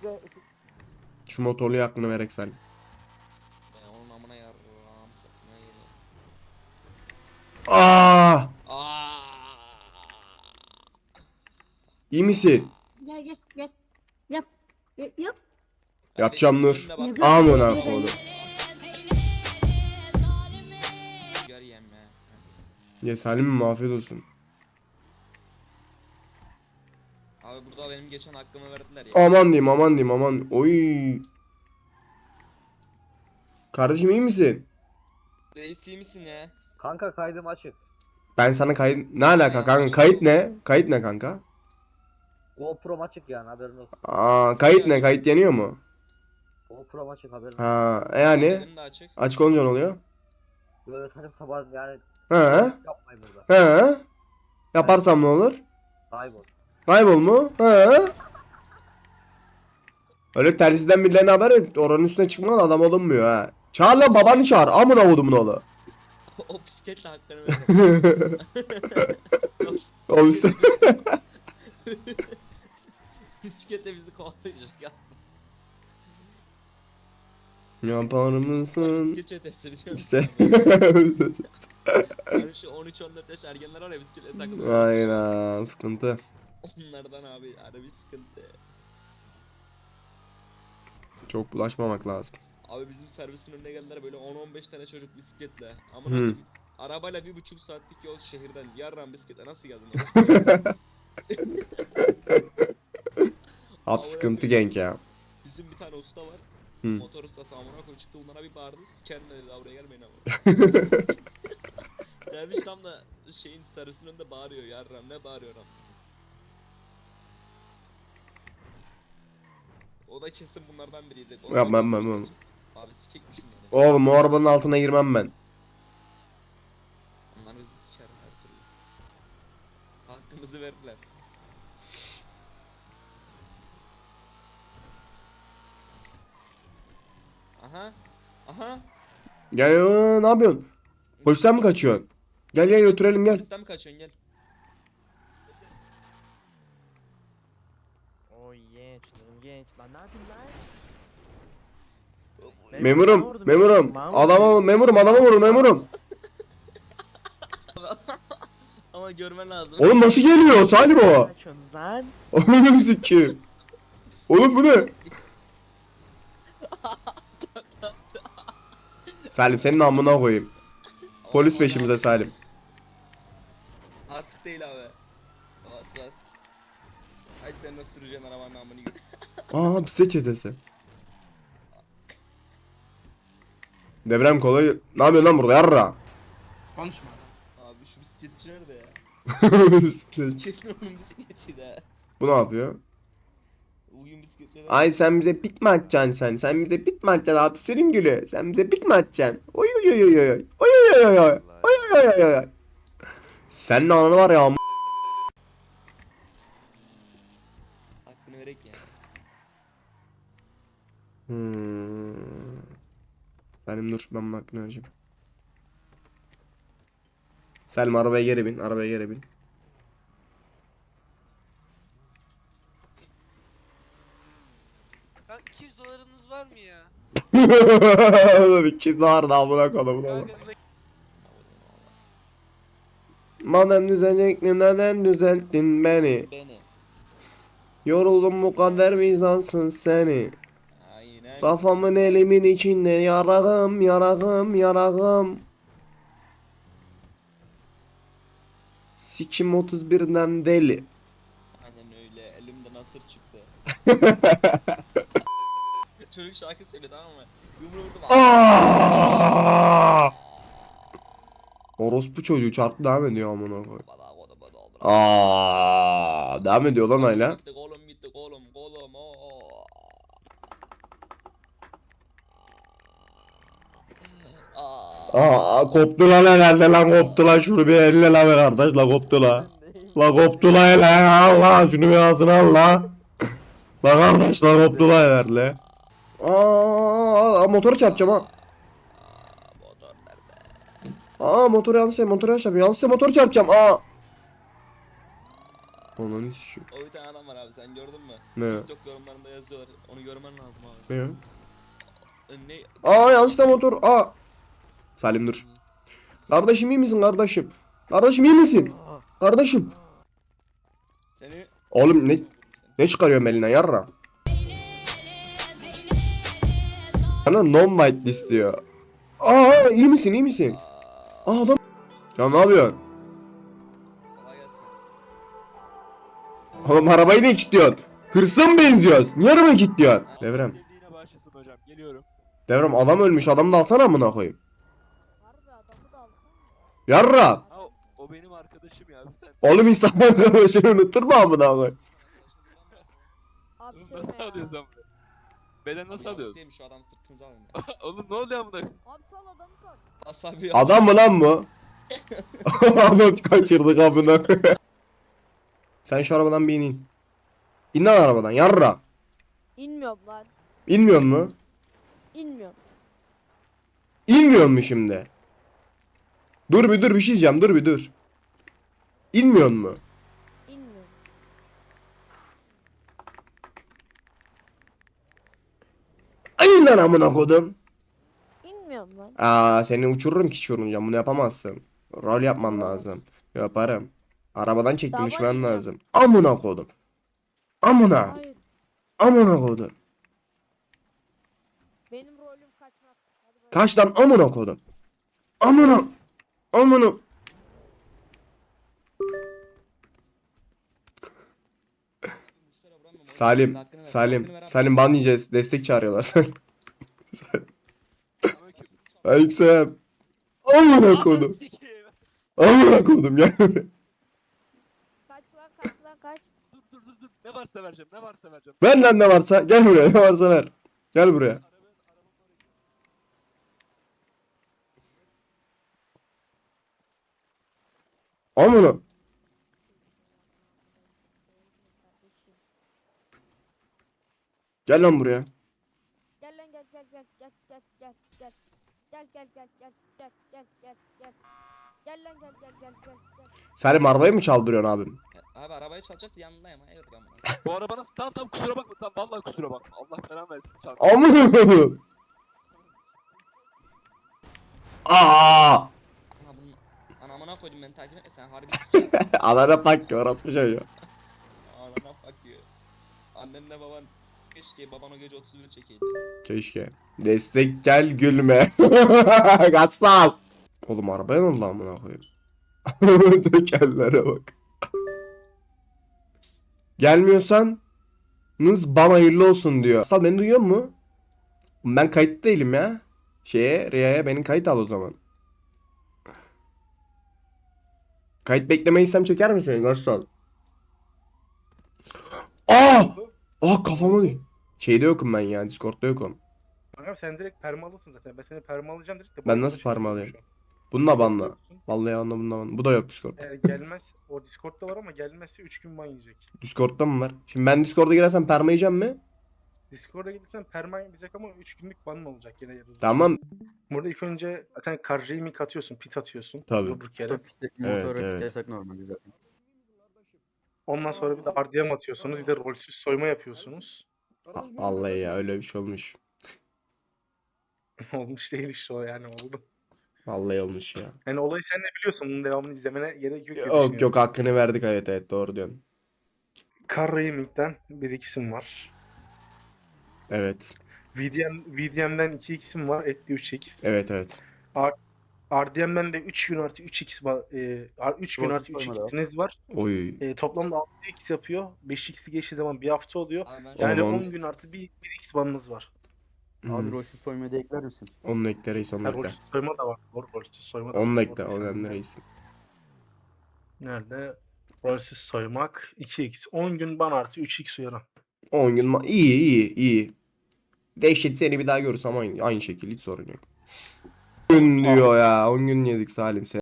Şu motorlu aklını verek sen. Onun amına yarrağım. Sokma yeri. Aa! Aaaa. İyi misin? Gel gel gel. Yap. Yap. Yapacağım Nur. Önüne bak. Amına koydum. Gör yem ya. Ya Salim afiyet olsun. Abi burada benim geçen hakkımı verdiler ya. Aman diyeyim aman diyeyim aman. Oy. Kardeşim iyi misin? Reis iyi misin ya? Kanka kaydım açık. Ben sana kayıt... Ne alaka kanka? Kayıt ne? Kayıt ne kanka? GoPro'm açık yani haberin olsun. Aa, kayıt ne? Kayıt yeniyor mu? GoPro'm açık haberin olsun. Ha, yani Benim de açık. açık olunca ne oluyor? Böyle saçma sapan yani He? yapmayın burada. He? Yaparsam ne olur? Kaybol. Kaybol mu? He? Öyle telsizden birilerine haber ver. Oranın üstüne çıkmadan adam olunmuyor ha. Çağır lan babanı çağır. Amına kodumun oğlu. O bisikletle hakkını verdim. O üstüne... Bisikletle bizi kovalayacak ya. Yapar mısın? Bisiklet çetesi biliyor musun? İşte. Yani şu 13-14 yaş ergenler var ya bisikletle takılıyor. Aynen sıkıntı. Onlardan abi harbi sıkıntı. Çok bulaşmamak lazım. Abi bizim servisin önüne geldiler böyle 10-15 tane çocuk bisikletle. Amına Hı. koyayım. Arabayla 1,5 saatlik yol şehirden yarran bisikletle nasıl geldin lan? Abi sıkıntı genk ya. Bizim bir tane usta var. Hı. Motor ustası amına koyup çıktı bunlara bir bağırdı. Sikerim dedi daha buraya gelmeyin ama. Gelmiş tam da şeyin sarısının önünde bağırıyor yarram ne bağırıyor am. O da kesin bunlardan biriydi. O Yapmam, da- yapmam. Abi sikekmişim yani. Oğlum o arabanın altına girmem ben. Onlar bizi siker her türlü. Hakkımızı verdiler. Aha. Aha. Gel ne yapıyorsun? Polisten mi kaçıyorsun? Gel gel götürelim gel. Polisten mi kaçıyorsun gel. Oy genç, canım genç. Lan ne yapayım lan? Memurum, memurum. Adama memurum, adama vurun memurum. Ama görmen lazım. Oğlum nasıl geliyor Salim o? Kaçıyorsunuz lan? Oğlum sikeyim. Oğlum bu ne? Salim senin amına koyayım. Polis peşimize Salim. Artık değil abi. Bas bas. Ay sen nasıl süreceksin arabanın amını gibi. Aa bisiklet çetesi. Devrem kolay. Ne yapıyorsun lan burada yarra? Konuşma. Abi şu bisikletçi nerede ya? Bisiklet. Kesin onun bisikletiydi ha. Bu ne yapıyor? Bugün bisikletçi Ay sen bize pit mi atacaksın sen? Sen bize pit mi atacaksın abi senin gülü? Sen bize pit mi atacaksın? Oy oy oy oy oy. Oy oy oy oy. Oy oy oy oy oy. Senin ananı var ya. Hakkını verek ya. Salim dur ben bunun hakkını vereceğim. Salim arabaya geri bin. Arabaya geri bin. Kanka 200 dolarınız var mı ya? Oğlum iki var da amına koyayım. Kanka Madem düzelecektin neden düzelttin beni? Beni. Yoruldum bu kadar vicdansın seni. Aynen. Kafamın elimin içinde yarağım yarağım yarağım. Sikim 31'den deli. Aynen öyle. Elimden asır çıktı. Çocuk şarkı söyledi tamam mı? Yumruğu vurdum. Orospu çocuğu çarptı devam ediyor amına koy. Bana kodu bana oldu. Devam ediyor lan hala. Gitti kolum gitti kolum kolum. Oo. Koptu lan herhalde lan koptu lan şunu bir elle lan be kardeş la koptu la. La koptu la hele Allah şunu bir ağzına al la. La kardeş la koptu la herhalde. Motoru çarpacağım ha. Motor nerede? Motoru yanlış motoru yanlış yapıyorum. Yanlış motoru çarpacağım. Ananı sikeyim. O bir tane adam var abi, sen gördün mü? Ne? TikTok yorumlarında yazıyorlar. Onu görmen lazım abi. Ne? Ne? Aa yanlışlıkla motor. Aa. Salim dur. Kardeşim iyi misin kardeşim? Kardeşim iyi misin? Kardeşim. Seni... Oğlum ne çıkarıyorsun elinden yarra? Sana non-white istiyor. Aa iyi misin iyi misin? Aa adam. Ya ne yapıyorsun? Kolay gelsin. Oğlum arabayı ne kilitliyorsun? Hırsa mı benziyoruz? Niye arabayı kilitliyorsun? Devrem. İstediğine başlasın hocam. Geliyorum. Devrem adam ölmüş, adamı da alsana amına koyayım. Harbi adamı da alsana. Yarra. Ha o benim arkadaşım ya abi sen. Oğlum insanlar arkadaşını unutur mu amına koyayım? Abi Oğlum söyleme nasıl ya. alıyoruz amına? Beden nasıl alıyoruz? Neymiş şu adam sırtınıza alın. Oğlum ne oluyor amına? Abi sal adamı sal. Asabi Adam mı lan bu? Adam kaçırdık amına koyayım. Sen şu arabadan bir in. İn lan arabadan yarra. İnmiyorum lan. İnmiyor mu? İnmiyorum. İnmiyor mu şimdi? Dur bir şey diyeceğim, dur bir dur. İnmiyor mu? İnmiyorum. Ay lan amına kodum. İnmiyorum lan. Aa seni uçururum ki uçurunca bunu yapamazsın. Rol yapman lazım. Yaparım. Arabadan çektim Tamam, düşmen inmiyorum. lazım. Amına kodum. Amına. Hayır. Amına kodum. Benim rolüm kaçmak. Hadi bakalım. Kaç lan amına kodum. Amına. Amına. Salim ban yiyeceğiz. Destek çağırıyorlar. Aleyküm. Amına kodum. Sikeyim. Amına kodum gel buraya. Kaç lan kaç. Dur. Ne varsa vereceğim. Ne varsa vereceğim. Ver lan ne varsa. Gel buraya. Ne varsa ver. Gel buraya. Amına. Gel lan buraya. Gel lan gel. Gel lan gel. Salim arabayı mı çaldırıyorsun abim? Abi arabayı çalacaktı, yanındayım. Hayırdır amına. Bu araba nasıl? Tamam kusura bakma. Tamam vallahi kusura bakma. Allah belanı versin. Çal. Amına kodum. Aa! Ana bunun anamına koydum, beni takip etme sen harbi s**eyim. Alana bak orası ya. Anana bakıyor. Annenle baban keşke baban o gece 31 çekeydi. Keşke. Destek gel gülme. Gatsal. Oğlum arabaya ne oldu amına koyayım? Tekerlere bak. Gelmiyorsan bana hayırlı olsun diyor. Gatsal beni duyuyor mu? Ben kayıt değilim ya. Riya'ya beni kayıt al o zaman. Kayıt beklemeyi istem çeker misin Gatsal? Aa! Aa kafama değil. Şeyde yokum ben ya, Discord'da yokum. Kanka sen direkt permalısın zaten. Ben seni permalayacağım direkt de. Ben nasıl permalayayım? Bununla banla. Vallahi anla bununla banla. Bu da yok Discord. Gelmez. O Discord'da var ama gelmezse 3 gün ban yiyecek. Discord'da mı var? Şimdi ben Discord'a girersem perma yiyeceğim mi? Discord'a gelirsen perma yiyecek ama 3 günlük banın olacak yine yarın. Tamam. Burada ilk önce zaten karjayı mik atıyorsun, pit atıyorsun. Tabii. Durduk yere. Evet. Yasak normalde zaten. Ondan sonra bir de RDM atıyorsunuz. Bir de rolsüz soyma yapıyorsunuz. Vallahi ya öyle bir şey olmuş. Olmuş değil işte o yani oldu. Vallahi olmuş ya. Yani olayı sen de biliyorsun. Bunun devamını izlemene gerek yok. diye Yok düşünüyorum. hakkını verdik, evet doğru diyorsun. Karrayı mikten bir isim var. Evet. VDM'den 2x'im var. Ekli 3x. Evet. RDM'den de 3 gün artı 3x 3 gün artı Rolsüz soyma da 3x'iniz var. Oy. Toplamda 6x yapıyor. 5x'i geçtiği zaman bir hafta oluyor. Abi ben Yani Oğlum, 10 gün artı 1x banınız var. Abi rolsüz soymayı da ekler misin? Onun ekle reis, onun Yani ekle. rolsüz soyma da var. Doğru rolsüz soyma da Onun var. ekle, Doğru onun düşündüm. reis. Nerede? Rolsüz soymak 2x. 10 gün ban artı 3x uyarı. 10 gün iyi. Dehşet seni bir daha görürsem aynı şekilde hiç sorun yok. 10 gün diyor ya. 10 gün yedik Salim.